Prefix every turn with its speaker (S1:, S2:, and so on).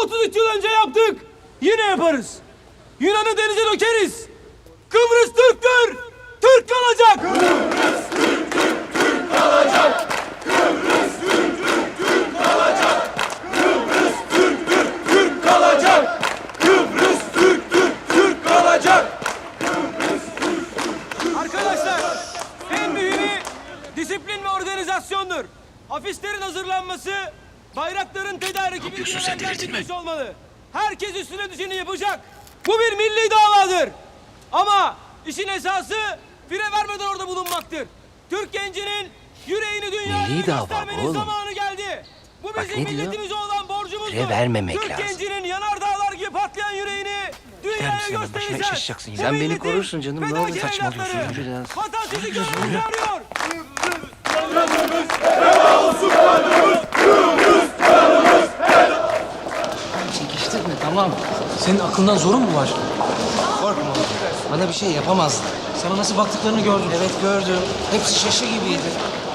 S1: 33 yıl önce yaptık. Yine yaparız. Yunan'ı denize dökeriz. Kıbrıs Türktür. Türk kalacak.
S2: Kıbrıs Türktür. Türk kalacak. Kıbrıs Türktür. Türk kalacak. Kıbrıs Türktür. Türk kalacak. Kıbrıs Türktür. Türk kalacak.
S1: Arkadaşlar, en mühimi disiplin ve organizasyondur. Afişlerin hazırlanması, bayrakların tedariki bilgilendirilmiş olmalı. Herkes üstüne düşeni yapacak. Bu bir milli davadır. Ama işin esası fire vermeden orada bulunmaktır. Türk gencinin yüreğini dünyaya
S3: Milli dava
S1: göstermenin
S3: oğlum.
S1: zamanı geldi. Bu
S3: Bak
S1: bizim
S3: ne diyor?
S1: milletimize olan borcumuzdur.
S3: Fire vermemek
S1: Türk
S3: lazım.
S1: gencinin yanardağlar gibi patlayan yüreğini dünyaya
S3: misin hemen? Başına
S1: göstereceğiz.
S3: iş açacaksın.
S1: Bu
S3: Sen beni
S1: milletin
S3: korursun canım. Ne
S1: fedakar
S3: oluyor? Saçmalıyorsun.
S1: evlatları.
S3: Yürü lan.
S1: Vatan sizi görmeye çağırıyor.
S4: Çekiştirme, tamam. Senin aklından zorun mu var? Korkma. Bana bir şey yapamazdı. Sana nasıl baktıklarını gördüm. Evet gördüm. Hepsi şaşı gibiydi.